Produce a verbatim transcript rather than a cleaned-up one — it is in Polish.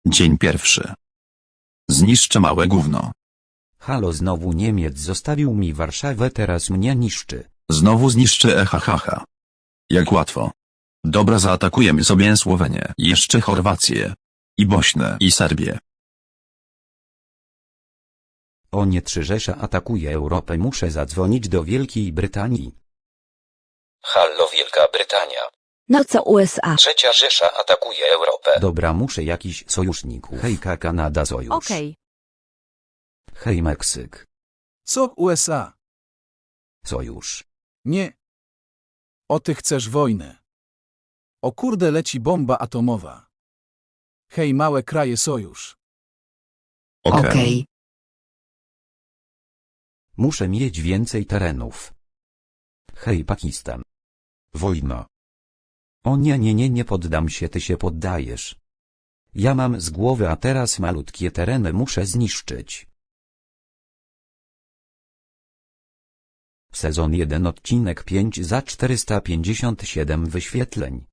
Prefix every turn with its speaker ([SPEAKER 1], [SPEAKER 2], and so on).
[SPEAKER 1] Dzień pierwszy. Zniszczę małe gówno.
[SPEAKER 2] Halo, znowu Niemiec zostawił mi Warszawę, teraz mnie niszczy.
[SPEAKER 1] Znowu zniszczy ehahaha. Jak łatwo. Dobra, zaatakujemy sobie Słowenię, jeszcze Chorwację. I Bośnię i Serbię.
[SPEAKER 2] O nie, trzy Rzesza atakuje Europę, muszę zadzwonić do Wielkiej Brytanii.
[SPEAKER 3] Hallo, Wielka Brytania.
[SPEAKER 4] No co U S A?
[SPEAKER 3] Trzecia Rzesza atakuje Europę.
[SPEAKER 2] Dobra, muszę jakiś sojuszników. Hejka, Kanada, sojusz.
[SPEAKER 4] Okej.
[SPEAKER 2] Hej, Meksyk.
[SPEAKER 5] Co U S A?
[SPEAKER 2] Sojusz.
[SPEAKER 5] Nie. O ty chcesz wojnę. O kurde, leci bomba atomowa. Hej, małe kraje, sojusz.
[SPEAKER 1] Okej.
[SPEAKER 2] Muszę mieć więcej terenów. Hej, Pakistan. Wojna. O nie, nie, nie, nie poddam się, ty się poddajesz. Ja mam z głowy, a teraz malutkie tereny muszę zniszczyć. Sezon jeden, odcinek pięć za czterysta pięćdziesiąt siedem wyświetleń.